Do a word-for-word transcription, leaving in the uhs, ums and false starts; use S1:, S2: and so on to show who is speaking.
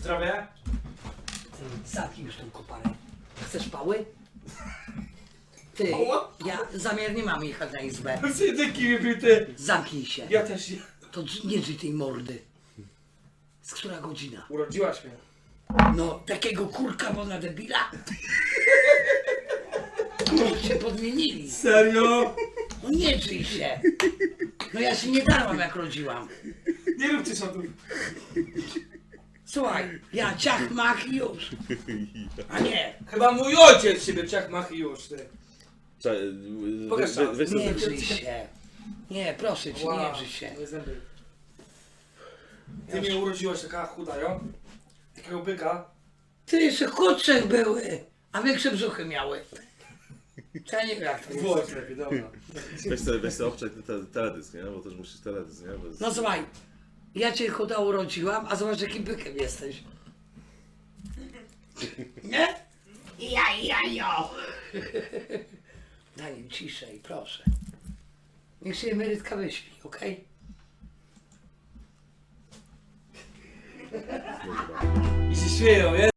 S1: Zdrowie?
S2: Ty, zamknij już tą koparę. Chcesz pały? Ty, ja zamiar nie mam jechać na izbę.
S1: Ty taki wypił, ty.
S2: Zamknij się.
S1: Ja też nie.
S2: To dż- nie drzwi tej mordy. Z która godzina?
S1: Urodziłaś mnie.
S2: No, takiego kurka, bo na debila. No, się podmienili.
S1: Serio?
S2: No nie drzyj się. No ja się nie darłam jak rodziłam.
S1: Nie róbcie sądów.
S2: Słuchaj, ja ciach mach i już. A nie,
S1: Chyba mój ojciec siebie ciach mach i już, ty.
S3: Cza-
S1: Pokaż
S3: weź-
S1: tam.
S3: weź
S2: nie
S3: sobie-
S2: drzyj się. Nie, proszę cię, nie drzyj się.
S1: moje zęby. Ty mnie urodziłaś taka chuda, jo? Takiego byka.
S2: Ty jeszcze chudszych były, a większe brzuchy miały. To ja nie wiem jak to jest.
S1: Włoś lepiej, dobra.
S3: Weź sobie, weź sobie obczaj te, te, teledysk, nie? Bo też musisz teledysk, nie? Bo jest...
S2: No słuchaj, ja cię chuda urodziłam, a zobacz jakim bykiem jesteś. Nie? Ja, ja, jo. Daj im ciszej, proszę. Niech się emerytka wyśpi, okej?
S1: I się śmieją, nie?